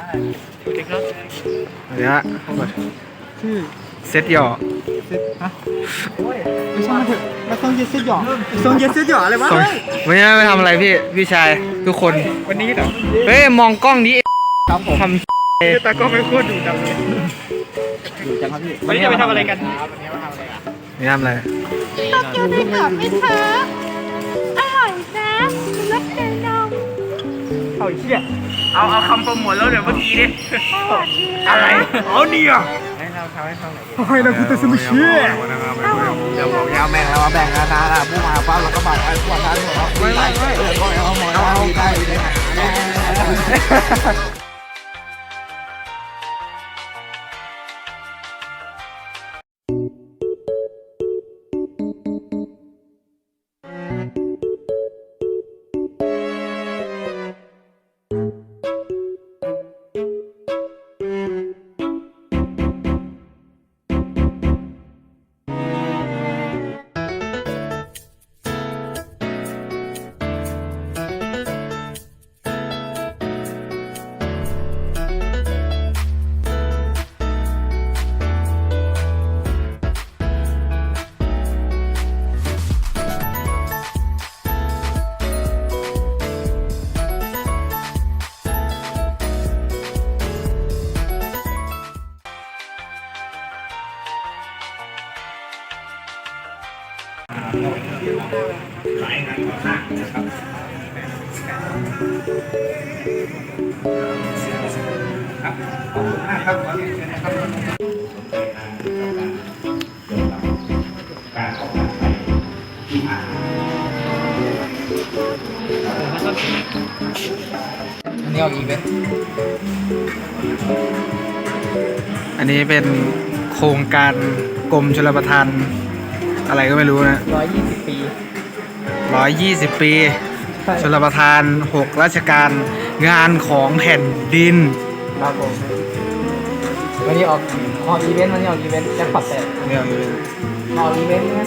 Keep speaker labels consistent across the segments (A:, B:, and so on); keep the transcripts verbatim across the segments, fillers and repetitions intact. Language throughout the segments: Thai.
A: สวัสดีครับ
B: เดี๋ยวชื่อเซตหยอเซตฮะไม่ใช่มาเถอะมาต้องเย็ดเซตหยอต้องเย็ดเซตหยออะไรวะไม่ใช่ไปทำอะไรพี่พี่ชายทุกคนวันนี้เหรอเฮ้ยมองกล้องนี้ครับผมทำตากล้องไม่โคตรดูดังเลยดูจังครับพี่วันนี้จะไปทำอะไรกันวันนี้มาทำอะไรอ่ะไม่ทำอะไร
C: โตเกียวได้กรอบไหมคะอร่อยนะรสเนยนม
B: เอาเชี่ยเอาเอาคำโปรโมทแล้วเดี๋ยวเมื่อกี้ดิ
C: อะไร
B: เอาดีอ่ะให้เราทำให้ฟังหน่อยให้เราพูดแต่สมุทรเชี่ยเดี๋ยวผมยาวแบ่งแล้วมาแบ่งกันนะนะผู้มาปั๊บเราก็บังไอ้ขวดท้ายหัวไม่ไม่ไม่เออก็เอาหมดเอาได้ได้
D: หลายงานก่อสร้างนะครับครับขอบคุณมากครับขอเรียนเชิญนะครับการออกแบบไปที่ผ่านอันนี้ออกอีกไหม
B: อันนี้เป็นโครงการกรมชลประทานอะไรก็ไม่รู้นะ
A: ร้อยยี่สิบปี
B: ร้อยยี่สิบปีชลประทานหกราชการงานของแผ่นดิน
A: ครับผมวันนี้ออกออกอีเวนต์วันนี้ออกอีเวนต์แจ็คพอตแตก
B: เนี่ย
A: ออกอีเวนต์ใช่ไหม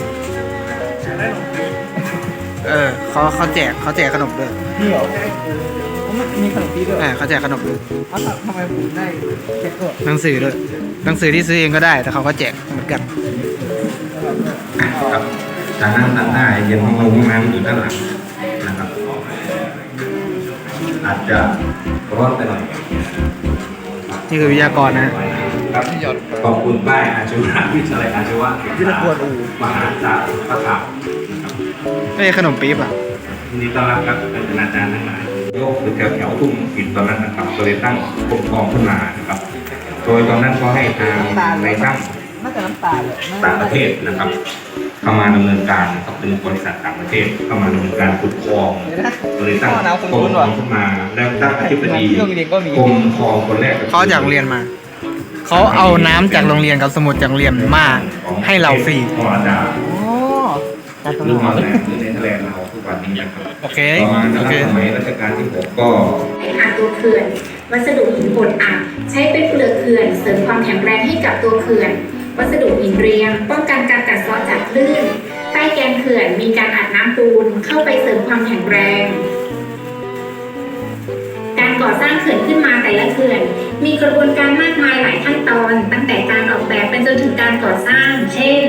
B: เออเขาเขาแจกเขาแจกขนมด้วย
A: นี่เหรอมันมีขนมปีด้วย
B: เออเขาแจกขนมด้วย
A: อ้าวทำไมผมได้แจ็คเกอร์
B: หนังสือด้วยหนังสือที่ซื้อเองก็ได้แต่เขาก็แจกเหมือนกัน
D: ครับทางนั่งด้านหน้าเย็นห้องลงห้องน้ำอยู่ด้านหลังนะครับอาจจะร้อนไปหน่อย
B: นี่คือวิทยากรนะ
D: ครับขอบคุณป้ายอาชีวะวิทยาลัยอาชีวะวิทยากรอูมหาจากประถามนะครับ
B: ไม่ใช่ขนมปี๊บอ่ะ
D: ยินดีต้อนรับครับเป็นอาจารย์ทั้งหลายโยกหรือแถวแถวทุ่งหินตอนนั้นนะครับก็เลยตั้งกรมกองขึ้นมานะครับโดยตอนนั้นก็ให้ทางในตั้ง
A: น่าจะน้ำตาลเลย
D: ต่างประเทศนะครับเข้ามาดำเนินการนะครับเป็นบริษัทต่างประเทศเข้ามาดำเนินการขุดคลองบริษัทกรมขึ้นมาแล้วตั้งอธิบดีกรมคลองคนแรก
B: เขาจากโรงเรียนมาเขาเอาน้ำจากโรงเรียนกับสมุดจากโรงเรียนมาให้เราฟรี
D: พอดาหรือมาแลนด์หรือในทะเลเราทุกวันนี้นะครับ
B: โอเค
D: ต่อมาใน
B: โอเค
D: สมัยรัชกาลที่หกก็
E: หาตัวเขื่อนวัสดุหินบดอัดใช้เป็นเปลือกเขื่อนเสริมความแข็งแรงให้กับตัวเขื่อนวัสดุหินเรียงป้องกันการกัดเซาะจากคลื่นใต้แกนเขื่อนมีการอัดน้ำปูนเข้าไปเสริมความแข็งแรงการก่อสร้างเขื่อนขึ้นมาแต่ละเขื่อนมีกระบวนการมากมายหลายขั้นตอนตั้งแต่การออกแบบเป็นจนถึงการก่อสร้างเช่น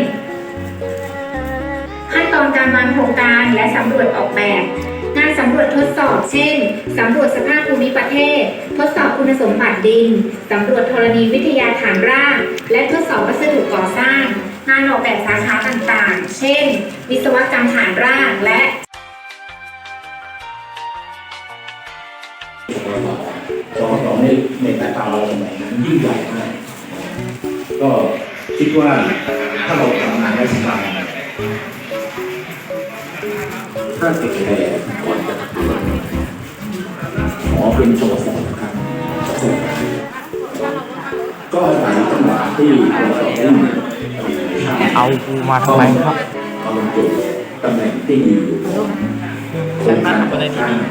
E: ขั้นตอนการวางโครงการและสำรวจออกแบบงานสำรวจทดสอบเช่นสำรวจสภาพภูมิประเทศทดสอบคุณสมบัติดินสำรวจธรณีวิทยาฐานรากและทดสอบวัสดุก่อสร้างงานออกแบบสาขาต่างๆเช่นวิศวกรรมฐานรากและ
F: สอสอในในสายตาเราสมัยนั้นยิ่งใหญ่มากก็คิดว่าถ้าเราทำงานได้สบายถ้าติดแค่ก่อนจะทำงานขอเป็นสอสอครับก็อาศัยจังหวะที่เราสอบได้
B: เอากูมาทำไมครับ
F: เอาลงจุดตำแหน่งที่อยู่ตรงนั้นก็ได้ที่นี่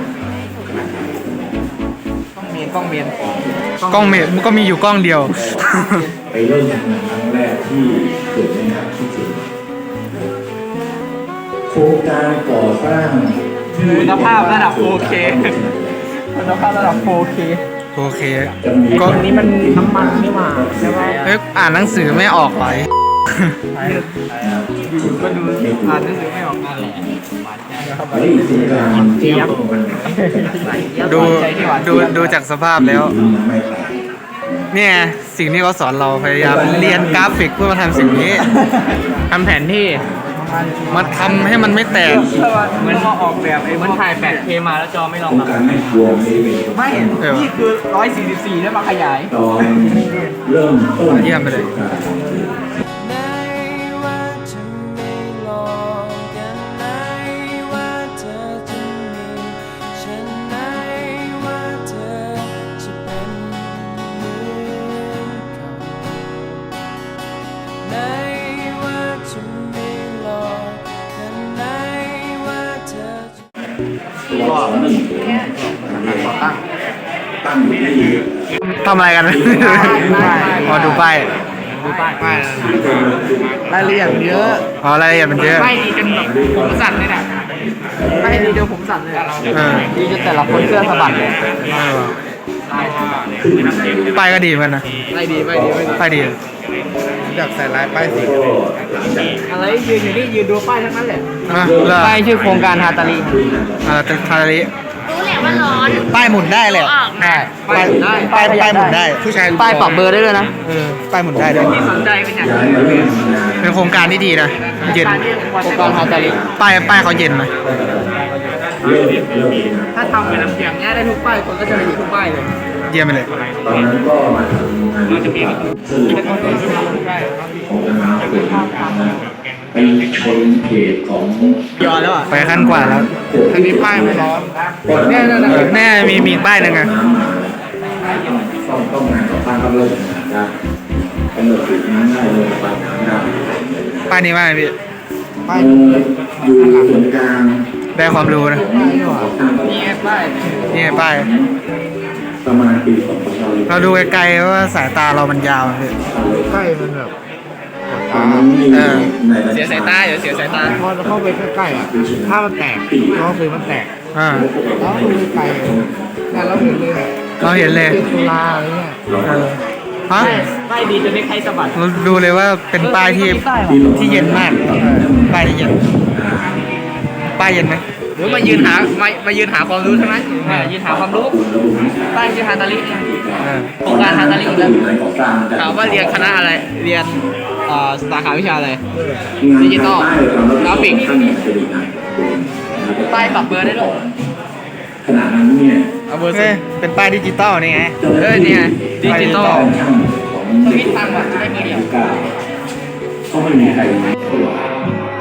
A: กล้องเมน
B: กล้องเมนมันก็มีอยู่กล้องเดียว
F: ไปเริ่มทำงานครั้งแรกที่เกิดในครับที่จริงโครงการก่อสร้าง
A: คุณภาพระดับ โฟร์เค คุณภาพระดับ โฟร์เค
B: โอเค
F: ก็
A: อันนี้มันน้ำมันนี่หว่าใช่ไหม
B: เอ้ยอ่านหนังสือไม่ออกไหล
A: อยู่ๆก็ดูอ่านหนังสือไม่ออกนั่นแหละ
F: เฮ้ยโครงการเจี๊ยบ
B: ดูดูดูจากสภาพแล้ว
F: ไม่แปลก
B: เนี่ยสิ่งที่เขาสอนเราพยายามเรียนกราฟิกเพื่อมาทำสิ่งนี้ทำแผนที่มาทำให้มันไม่แตก
A: เหมือนมาออกแบบไอ้มันถ่าย แปดเค มาแล้วจอไม่ร
F: โค
A: อ
F: รง ง
A: รับ
F: การไม่รวมนี่เป็น
A: ไม่ นี่คือร้อยสี่สิบสี่แล้วมาขยาย
F: ตอนเริ่มต้น
B: เยี่ยมไปเลย
G: ไหนว่าจะไม่ลองกันไหนว่าเธอจะมีฉันไหนว่าเธอจะเป็นเหมือนเขาไหนว่าจะไม่ลองกันไหนว่าเธอจะ
F: ตัวสองหนึ่งตั้งตั้งอยู่ที่
B: ทำอะไรกันพอดูป้าย
A: ดูป้ายป้ายรายละเอียดเยอะ
B: อ๋อรายละเอียดมันเยอะ
A: ป้ายดีจนแบบผมสั่นเลยนะป้ายดีจนผมสั่นเลย
B: เออ
A: ดีจนแต่ละคนเสื้อสะบัดเลย
B: เออป้ายก็ดีเหมือนกันนะ
A: ไม่ดีไม่ดีไม่ดี
B: ป้ายดี
A: อยากใส่ลายป้ายสีอะไรยืนอยู่นี่ยืนดูป้ายทั้งนั้นแหละ
B: อ่ะเลิก
A: ป้ายชื่อโครงการฮาตาลี
B: อ่าแต่ทาริ
C: รู้แหละว่าร้อน
B: ป้ายหมุนได้เลย
C: ออกนะ
B: ป้ายป้ายป้ายป้ายหมุนได้ผู้ชาย
A: ป้ายปรับเบอร์ได้ด้วยนะ
B: เออป้ายหมุนได้ด้วย
A: สนใจเป็นอย่าง
F: ย้ายมาเริ่มทำงาน
B: เป็นโครงการที่ดีนะเย็น
A: โครงการฮาตาลี
B: ป้ายป้ายเขาเย็นนะ
F: เริ่มเริ่ม
A: ถ้าทำเป็นอย่างเงี้ยได้ทุกป้ายคนก็จะไปอยู่ทุกป้ายเลย
B: เยี่ยมไปเลย
F: ตอนนั้นก็มาทำงานสื่อของทางเกิดไปชนเขตของ
A: ย้อนแล้วอ่ะ
B: ไปขั้นกว่าแล้ว
A: อันนี้ป้ายมันร้อน
F: เนี่ย
B: เออแน่มีมีป้ายหนึ่งอะ
F: ต้องต้องงานก่อสร้างก็เริ่มนะกำหนดจุดน้ำได้เลยปลายน้ำได้
B: ป้ายนี้ว่าไงพี่
F: เอ่ออยู่ส่วนกลาง
B: ได้ความรู้นะ
F: ก่อสร้างก็
A: นี่ไงป้าย
B: นี่ไงป้าย
F: ประมาณปีสองพันห้าร้อย
B: เราดูไกลๆว่าสายตาเรามันยาวพี่
A: ใกล้มันแบบ
F: ตอนนั้นนี่
B: เออ
F: ใน
A: เสียสายตาเดี๋ยวเสียสายตาพอเข้าไปใกล้ๆอ่ะถ้ามันแตกก็คือมันแตก
B: อ่า
A: แล้วดูไกลแต่เราเห็นเลย
B: เราเห็นเลย
A: เป็นตุลาอะไรเงี้ย
B: เออฮะ
A: ป้ายดีจนไม่ใครสะบัด
B: เราดูเลยว่าเป็นป้ายที่ที่เย็นมากป้ายที่เย็นป้ายเย็นไหม
A: หรือมายืนหามามายืนหาความรู้ใช่ไหมมายืนหาความรู้ป้ายชื่อฮาตาลิเนี่ย
B: เออ
A: โครงการฮาตาลิอีกแล้ว
F: ในก่อสร้างจะ
A: ถามว่าเรียนคณะอะไร เรียนเอ่อสาขาวิชาอะไร
F: งาน
A: ดิจิตอล
F: ใต้ความรับผิดชอบ
A: กราฟิก
F: ท่านเนี่ยจะดีนะ
A: ป้ายปรับเบอร์ได้ด้วย
F: ขณะนั้นเนี่ย
A: เอาเบอร์
B: เฮ้ยเป็นป้ายดิจิตอลนี่ไง
A: เออเนี่ยดิจิตอล
F: ช่างของ
A: สวิตช์ทางแบบได้เบอร์เดียว
F: เก้าก็ไม่มีใครรู้หรอก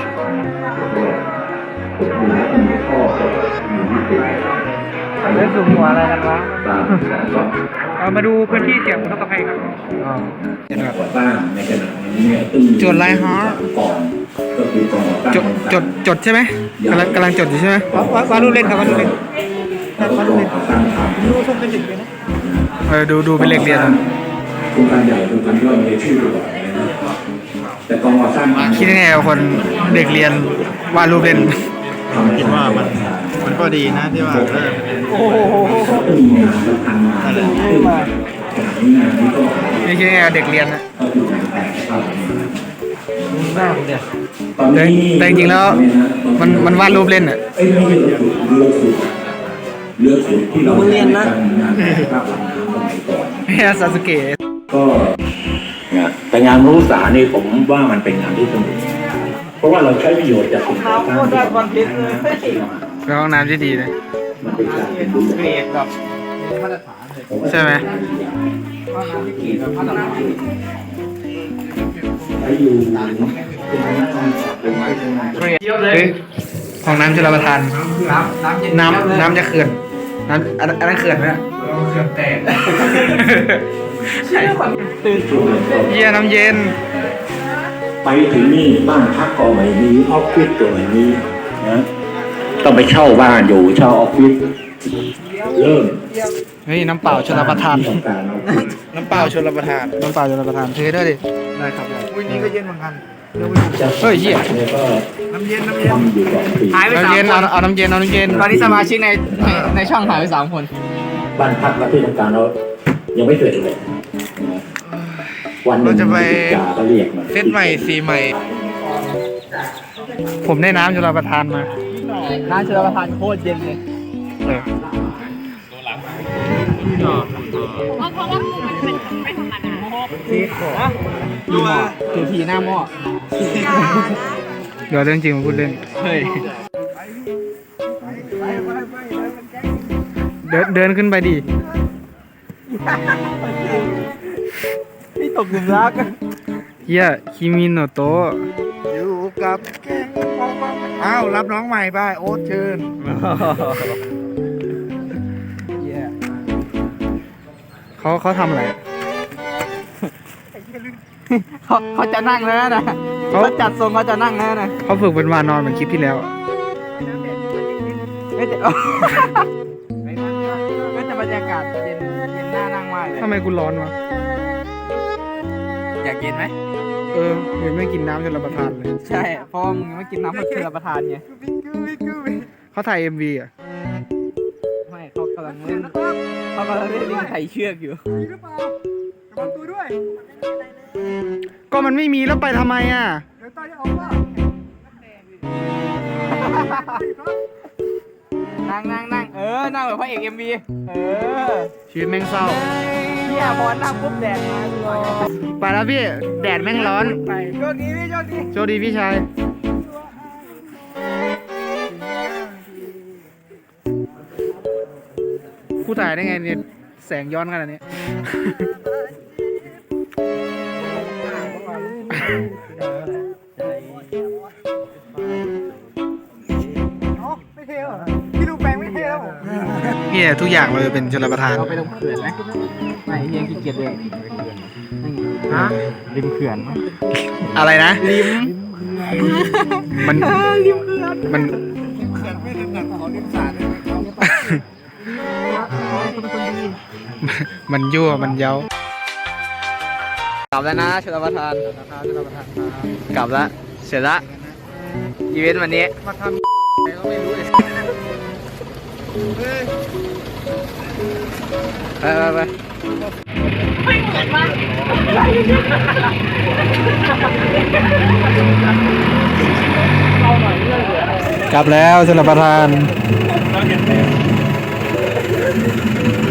F: มีแล้วมีข้อก็มีวิธี
A: เรื่องสูงหัวอะไรกันวะ
F: ตามก็
A: เอามาดูพื้นที่เสี่ยงอุทกภัยครับ
B: อ๋อเห็นแบบ
F: ก่อสร้างในขณะนี้เนี่ยซึ่ง
B: จดอะไรฮะ
F: ก่อนก็คือกองก่อสร้าง
B: จดจดจดใช่ไหมกำลังกำลังจดอยู่ใช่ไหม
A: ว่าว่าลูกเล่นครับว่าลูกเล่น
F: แล้วก็กองก่อสร้างทำ
A: ดูชมเป็นเด็กเลยนะ
B: เออดูดูเป็นเลขเรียนอะ
F: โครงการใหญ่โครงการย่อยในชื่อตัวนะครับแต่กองก่อสร้างทำ
B: คิดยังไงกับคนเด็กเรียนวาดรูปเล่น
F: คิดว่ามัน
H: มันก็ดีนะที่ว่าเออ
A: โอ้โห
F: ก็มีงานสำคัญมาซึ่งขณะนี้งานนี้ก็
B: นี่คิดยังไงกับเด็กเรียนนะ
F: ก็คืองานแต่งภาพนี้
A: น่าเด็ด
F: ตอนนี้
B: แต่จริงๆแล้วมันมันวาดรูปเล่นอ่ะ
F: เอ้ยไม่ใช่เรือสูบเรือสูบเรือสูบที่เราเรียนนะงานแต่งภาพลำน้ำสมัยก่อน
B: ไม่ใช่ซาสึเกะ
F: ก็แต่งานรู้สานี่ผมว่ามันเป็นงานที่สนุกเพราะว่าเราใช้ประโยชน์จากสิ่งต่าง
A: โคตรได้คอนเทนต์เลย
B: เป็นห้องน้ำที่ดีนะ
F: มันเป็นการเรียนรู้
A: เกรดแบบมาตรฐานเลย
B: ใช่ไหม
A: ว่าน้ำที่เกรดแบบมาตรฐาน
F: ใช้อยู่นานเป็นการทำเป็นการทำ
A: เกรดเยอะเลย
B: เฮ้ยห้องน้ำชลประทาน
A: น้ำน้ำเย็น
B: น้ำน้ำจะเขื่อนน้ำอันอันนั้นเขื่อนไหมอะ
A: เกือบแตกใช่ความตื่น
B: เยี่ยน้ำเย็น
F: ไปถึงนี่บ้านพักก็ไม่มีออฟฟิศก็ไม่มีนะต้องไปเช่าบ้านอยู่เช่าออฟฟิศเริ่ม
B: เฮ้ยน้ำเปล่าชลประทาน
F: ที่ต้องการออฟฟิศ
H: น้ำเปล่าชลประทาน
B: น้ำเปล่าชลประทานเทด้วยดิ
H: ได้ครับอุ้ยนี่ก็เย็นเหมือนกัน
B: เฮ้ยเหี้ย
F: เนี่ยก็
H: น้ำเย็นน้ำเย็น
F: ทำอยู่สองปี
A: หายไป
B: น้ำ
A: สาม
B: เย็น
A: ค
B: เอา
A: น
B: เอาน้ำเย็นเอาน้ำเย็น
A: ตอนนี้สมาชิกในในในช่องหายไปสามคน
B: เ
F: บ้านพักและที่ทำการเรายังไม่เสร็จเลยนะวันหนึ่ง
H: เราจะไป
F: จ่าก็เรียกมา
H: เซตใหม่สีใหม่
B: ผมได้น้ำชลประทานมา
A: น้ำชลประทานโคตรเย็นเลย
B: เออ
C: เพราะเพราะว่าคือมันเป็นไม่ธรรมดา
A: ซีโคดูหม้อถือทีหน้าหม้อ
B: เดี๋ยวเรื่องจริงมาพูดเล่น
A: เฮ้ย
B: เดินเดินขึ้นไปดิ
A: นี่ตกหลุมรัก
B: เฮียคิมิโนโตะ
H: อยู่กับแกงอ้าวรับน้องใหม่ไปโอ๊ตเชิญ
B: เขาเขาทำอะไร
A: เขาเขาจะนั่งแล้วนะ
B: เขา
A: เขาจัดทรงเขาจะนั่งแล้วนะ
B: เขาฝึกเป็นวานอนเหมือนคลิปที่แล้วอะ
A: ไม่แต่ไม่แต่บรรยากาศเย็นเย็นน่านั่งมากเลย
B: ทำไมกูร้อนวะ
A: อยากเย็นไหม
B: เออยังไม่กินน้ำชลประทานเลย
A: ใช่เพราะมึงไม่กินน้ำผักเชือประทานไง
B: เขาถ่ายเอ็มวีอ่ะ
A: ไม่เขากำลังเล่นเขากำลังเล่นลิงไถเชือกอยู่
B: ก็มันไม่มีแล้วไปทำไมอ่ะ
A: นั่งนั่งนั่งเออ นั่งแบบพระเอกเอ็มวีเออ
B: ชีวิตแม่งเศร้า
A: พี่อาบอลนั่งปุ๊บแดดมาเลย
B: ไปแล้วพี่ แดดแม่งร้อน
A: ไปโชคดีพี่โชคดี
B: โชคดีพี่ชาย กูถ่ายได้ไงเนี่ย แสงย้อนขนาดนี้
H: ไม่เท่หรอพี่ดูแปลงไม่เท่แล้วผม
B: เนี่ยทุกอย่างเราจะเป็นชลประทาน
A: เราไปลงเขื่อนไหมไม่เฮียขี้เกียจเลย
B: ฮะ
A: ริมเขื่อน
B: อะไรนะ
A: ริม
B: มัน
A: ริมเขื่อน
B: มัน
H: เขื่อนไม่ถนัดขอริมสาดเลยครับ
B: มันยั่ว มันเย้า
A: กลับแล้วนะชลประทานกลับแล้วเสร็จละอีเวนต์วันนี้
B: มาทำอะไรก็ไม่รู้เลย
A: ไปไปไป
C: ไม่เหมือนว่า
B: กลับแล้วชลประทาน